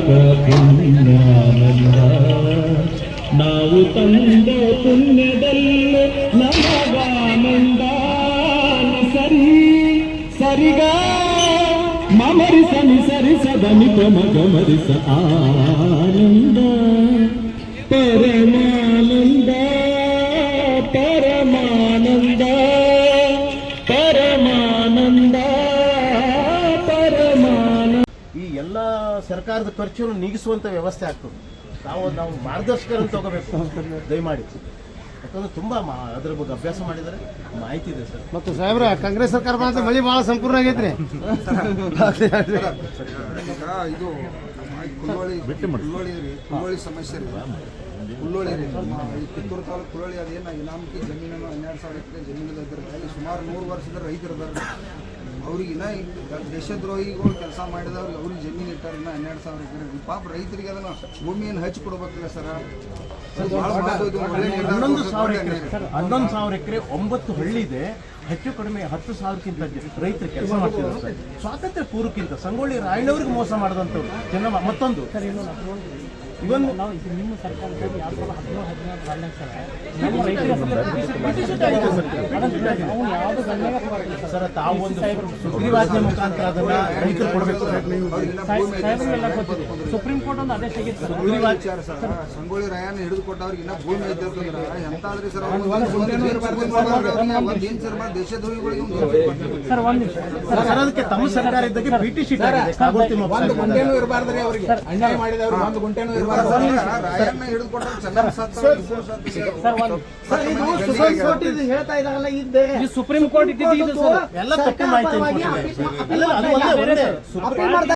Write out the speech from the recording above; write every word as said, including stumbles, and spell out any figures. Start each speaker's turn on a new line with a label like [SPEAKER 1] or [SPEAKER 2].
[SPEAKER 1] ಪುಣ್ಯಾನಂದ ನಾವು ತಂದ ಪುಣ್ಯದಲ್ಲೇ ನಮಗಾನಂದ ಸರಿ ಸರಿಗ ಮಮರಿಸ ನಿಸರಿಸ ದನಿಪ ಮಗ ಮರಿಸ ಆನಂದ ಪರಮಾನಂದ ಪರಮಾನಂದ ಪರಮಾನಂದ ಪರಮಾನಂದ. ಈ ಎಲ್ಲ ಸರ್ಕಾರದ ಖರ್ಚನ್ನು ನೀಗಿಸುವಂತ ವ್ಯವಸ್ಥೆ ಆಗ್ತದೆ. ನಾವು ನಾವು ಮಾರ್ಗದರ್ಶಕರನ್ನು ತಗೋಬೇಕು ದಯಮಾಡಿ, ಯಾಕಂದ್ರೆ ತುಂಬಾ ಅದ್ರ ಬಗ್ಗೆ ಅಭ್ಯಾಸ ಮಾಡಿದರೆ ಮಾಹಿತಿ ಇದೆ ಸರ್.
[SPEAKER 2] ಮತ್ತು ಸಾಹೇಬ್ರ ಕಾಂಗ್ರೆಸ್ ಸರ್ಕಾರ ಬಂದ ಮಳಿ ಭಾಳ ಸಂಪೂರ್ಣ ಆಗೈತ್ರಿ.
[SPEAKER 3] ಇದು ಕುಲ್ಲೋಳಿ ಕುಲ್ಲೋಳಿ ರೀ ಕುಲ್ಲೋಳಿ ಸಮಸ್ಯೆ ರೀ ಕುಲ್ಲೋಳಿ ರೀ ಈ ಕಿತ್ತೂರು ತಾಲೂಕು ಕುಲ್ಲೋಳಿ ಅದೇನು ಇನಾಮಕಿ ಜಮೀನನ್ನು ಹನ್ನೆರಡು ಸಾವಿರ ಎಕರೆ ಜಮೀನು ಇದ್ದಾರೆ. ಅಲ್ಲಿ ಸುಮಾರು ನೂರು ವರ್ಷದ ರೈತರು ಇದ್ದಾರೆ. ಅವ್ರಿಗಿನ್ನ ದೇಶದ್ರೋಹಿಗಳು ಕೆಲಸ ಮಾಡಿದವ್ರಿಗೆ ಅವ್ರಿಗೆ ಜಮೀನು ಇಟ್ಟಾರ ಇನ್ನ ಹನ್ನೆರಡು ಸಾವಿರ ಎಕರೆ. ಪಾಪ ರೈತರಿಗೆ ಅದನ್ನು ಭೂಮಿಯನ್ನು ಹಚ್ಚಿ ಕೊಡ್ಬೇಕಲ್ಲ ಸರ್.
[SPEAKER 1] ಹನ್ನೊಂದು ಸಾವಿರ ಎಕರೆ ಹನ್ನೊಂದು ಸಾವಿರ ಎಕರೆ ಒಂಬತ್ತು ಹಳ್ಳಿ ಇದೆ. ಹೆಚ್ಚು ಕಡಿಮೆ ಹತ್ತು ಸಾವಿರಕ್ಕಿಂತ ರೈತರು ಕೆಲಸ ಮಾಡ್ತಿದ್ದಾರೆ ಸರ್. ಸ್ವಾತಂತ್ರ್ಯ ಪೂರ್ವಕ್ಕಿಂತ ಸಂಗೊಳ್ಳಿ ರಾಯಣ್ಣವ್ರಿಗೆ ಮೋಸ ಮಾಡಿದಂಥವ್ರು ಜನ. ಮತ್ತೊಂದು ಇವನ್ ನಿಮ್ಮ ಸರ್ಕಾರದಲ್ಲಿ ಸರ್ ತಾವು ಒಂದು ಸುಗ್ರೀವಾಜ್ಞೆ ಮುಖಾಂತರ ಅದನ್ನ ರೈತರು ಕೊಡಬೇಕು. ಸುಪ್ರೀಂ ಕೋರ್ಟ್ ಒಂದು ಆದೇಶ
[SPEAKER 3] ವಿಚಾರ ಸರ್. ಸಂಗೊಳ್ಳಿ ರಾಯಣ್ಣ ಹಿಡಿದು ಕೊಟ್ಟವ್ರಿಗೆ ಇನ್ನ ಭೂಮಿ ಐತಿರ್ತಂದ್ರ ಎಂತಾದ್ರಿ ಸರ್. ದೇಶದ್ರೋಹಿಗಳಿಗೆ
[SPEAKER 1] ಸರ್ ಅದಕ್ಕೆ ತಮ್ಮ ಸರ್ಕಾರ ಇದ್ದಕ್ಕೆ ಬಿ ಟಿ ಶೀಟ್ ಆಗಿದೆ.
[SPEAKER 3] ಒಂದು ಗುಂಟೆನೂ ಇರಬಾರ್ದ್ರಿ ಅವ್ರಿಗೆ. ಅನ್ಯಾಯ ಮಾಡಿದವ್ರು ಒಂದು ಗುಂಟೆನೂ ಇರಬಾರ್ದು. ರಾಯಣ್ಣ ಹಿಡಿದು ಕೊಟ್ಟವ್ರು ಚೆನ್ನಾಗಿ
[SPEAKER 2] ಹೇಳ್ತಾ ಇದಾಗಲ್ಲ ಇದು
[SPEAKER 1] ಸುಪ್ರೀಂ ಕೋರ್ಟ್ ಇದ್ದಿದ್ದು ಎಲ್ಲ ತಪ್ಪು ಮಾಹಿತಿ.